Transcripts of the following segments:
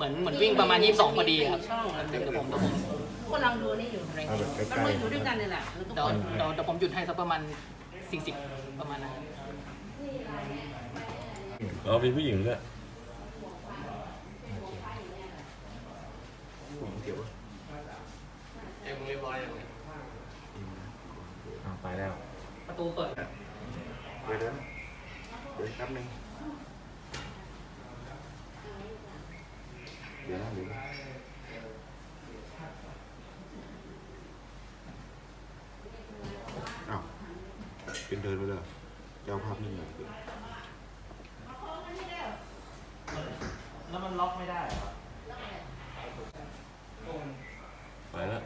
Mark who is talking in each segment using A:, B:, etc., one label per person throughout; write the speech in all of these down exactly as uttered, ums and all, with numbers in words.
A: มือนเหมือนวิ่งประมาณยี่สิบสองพอดีครับเดี๋ยวผมเดี๋ยวผม
B: กำลังดูนี่อยู่มันมืออยู่ด้วยกันนี่แหละแล้วก็
A: เดี๋ยวเดี๋ยวเดี๋ยวผมหยุดให้สักประมาณสี่สิบประมาณนั้น
C: เราเป็นผู้หญิงด้วย
D: เอ็มเรียบร้อยอย่างนี้
C: ไปแล้ว
A: ประตูเปิด
D: เดี๋ยวเดี๋ยวเดี๋ยวแป๊บนึงเดี๋ยวนะเดี๋ยวนะอ้าวเป็นเดินไปเลยเจ้าภาพนี่ไง
A: แล้วมันล็อกไม่ได้ครับ
C: ไปแล้ว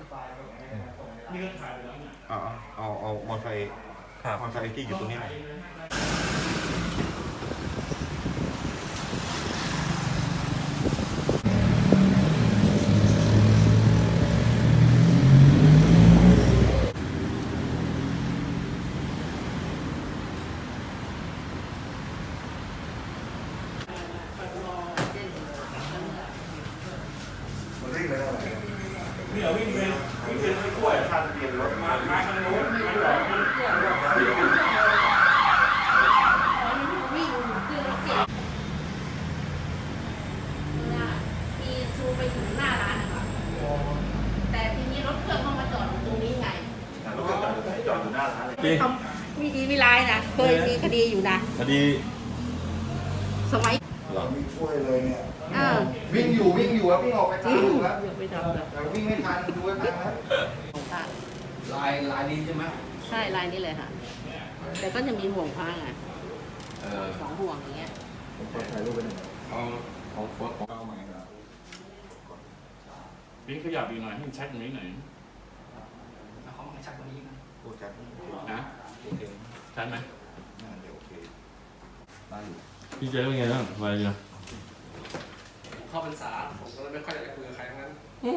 D: เอาเอาเอาเอามอเตอร์ไซค์มอเตอร์ไซค์ที่อยู่ตรงนี้หน่อย
E: นี่เราวิ่งไปวิ่งไปไม่กล้วยทานเปลี่ยนรถมามาทางโน้นมาหลอก
B: วิ่งเครื่องรถเก๋งมีชูไปถึงหน้าร้านนะคะแต่ทีนี้รถเครื่องเขามาจอดอยู่ตรงนี้ไง
E: รถจอดจอดอยู่หน้าร้านเลย
B: มีดีมีร้ายนะเคยมีคดีอยู่นะ
C: คดี
B: สมัย
C: หรอ
D: ไม่ช่วยเลยเนี่ย
B: เออ
D: วิ่งอยู่วิ่งอยู่ครับวิ่งออกไปทางลูกแล้ว
B: ไม่ทำแล้ว
D: แต่วิ่งไม่ทันดูไว้ทันแล้ว
F: ลายลายนี้ใช่ไหม
B: ใช่ลายนี้เลยค่ะ แต่ก็จะมีห่วงพางอ่ะ
F: เออ
B: สองห่วงอย่างเงี้ย
D: ผมขอถ่ายรูปไปหนึ่ง
F: เอาของโฟร์ของ
D: เอาใหม่ครับ
E: วิ่งขยับอีกหน่อยให้มันชัดตรงนี้หน่อย
A: เขาไม่ชักตรงนี้นะ
D: โอ้จัดโอเค
E: นะ
D: โอเค
E: ชัดไหม
D: น่าจะโอเคได้อยู่
C: พี่เจ๊เป็นไงบ้างไปเลย
D: เข้าพรรษาผมก็เลยไม่ค่อยอยากจะคุยกับใครทั้งนั้น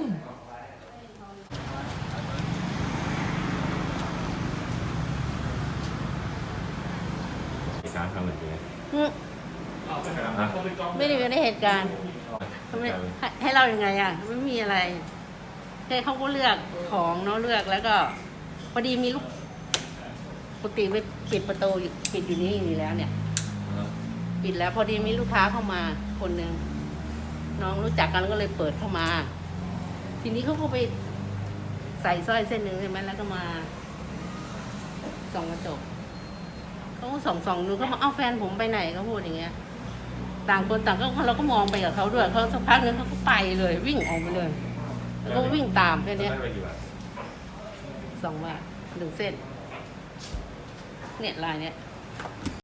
C: เหตุการณ์ครั้งหนึ่งเป็นไง
B: อืม
C: ฮะ
B: ไม่ได้อยู่ในเหตุการณ์ทำไมให้ให้เรายังไงอ่ะ ไม่มีอะไรแค่เขาก็เลือกของเนาะเลือกแล้วก็ พอดีมีลูกปกติไปปิดประตูอยู่ปิดอยู่นี่อยู่แล้วเนี่ย ปิดแล้วพอดีมีลูกค้าเข้ามาคนหนึ่งน้องรู้จักกันก็เลยเปิดเข้ามา ทีนี้เขาก็ไปใส่สร้อยเส้นหนึ่งใช่ไหมแล้วก็มาส่องกระจกเขาก็ส่องส่องดูเขามาเอ้าแฟนผมไปไหนเขาพูดอย่างเงี้ย ต่างคนต่างก็เราก็มองไปกับเขาด้วยเขาสักพักนึงเขาก็ไปเลย วิ่งออกไปเลย แล้วก็วิ่งตามแค่เนี้ย
C: ได้ไปกี่บาท
B: สองบาทหนึ่งเส้น เนี่ยลายเนี้ย